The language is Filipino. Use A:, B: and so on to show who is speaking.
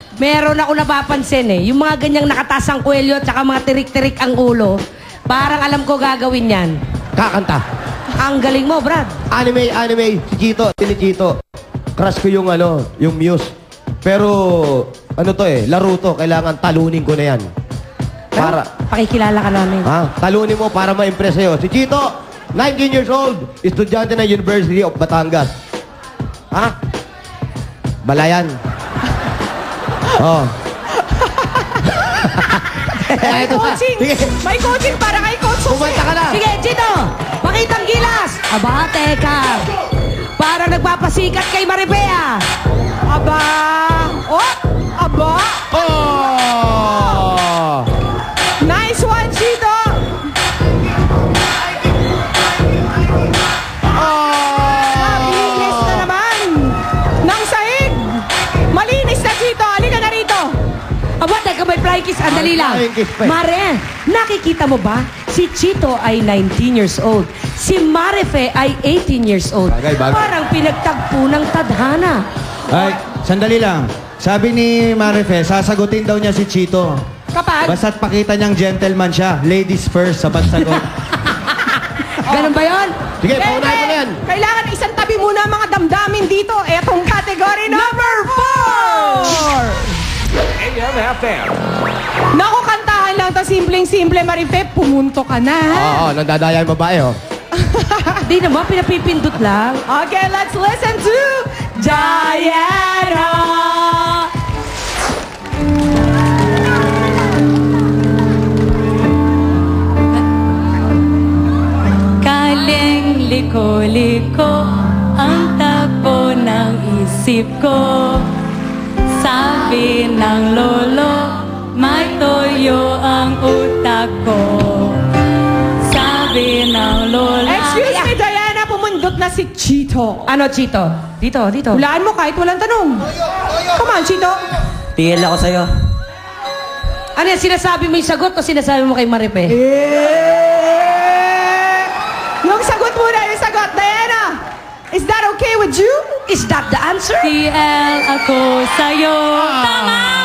A: Meron ako napapansin eh. Yung mga ganyang nakatasang kwelyo at saka mga tirik-tirik ang ulo, parang alam ko gagawin yan.
B: Kakanta.
A: Ang galing mo, Brad.
B: Anime. Si Chito, Chito. Crush ko yung yung Muse. Pero, laro to. Kailangan talunin ko na yan. Para...
A: Pakikilala ka namin.
B: Ha? Talunin mo para ma-impress sa'yo. Si Chito, 19 years old, estudyante ng University of Batangas. Ha? Balayan. Oh.
C: May coaching! May coaching para kay Coach Jose.
B: Kumanta ka na!
A: Sige, Chito! Pakitang gilas! Aba, teka! Parang nagpapasikat kay Maripea!
C: Aba! Oh! Aba!
B: Oh!
C: Nice one, Chito! Malinis na naman! Nang sahig! Malinis na, Chito! Halika na rito!
A: Aba, teka, may flying kiss. Andali lang.
B: Flying kiss pa eh.
A: Mare, nakikita mo ba? Si Chito ay 19 years old. Si Marife ay 18 years old.
B: Bagay.
A: Parang pinagtagpo ng tadhana.
D: Ay, sandali lang. Sabi ni Marife, sasagutin daw niya si Chito.
C: Kapag?
D: Basta't pakita niyang gentleman siya. Ladies first sa pagsagot.
A: Ganun ba yun?
B: Sige, paunahin mo na yan.
C: Kailangan isang tabi muna ang mga damdamin dito. Etong category number 4!
E: AM/FM.
C: Naku, kantahan lang to. Simpleng-simple, Marife. Pumunto ka na, ha?
B: Oo, nandadaya yung babae, oh.
A: Di naman, pinapipindot lang.
C: Okay, let's listen to Diana!
F: Kaling liko-liko ang takbo ng isip ko. Sabi ng lolo, may toyo ang utak ko. Sabi ng lola...
C: Excuse me, Diana. Pumundot na si Chito.
A: Ano, Chito? Dito.
C: Hulaan mo kahit walang tanong. Come on, Chito.
G: Tigil ako sa'yo.
A: Ano yan, sinasabi mo yung sagot o sinasabi mo kay Marife?
C: Yung sagot muna, yung sagot. Diana, is that okay with you?
A: Is that the answer?
F: TL ako sa'yo. Tama!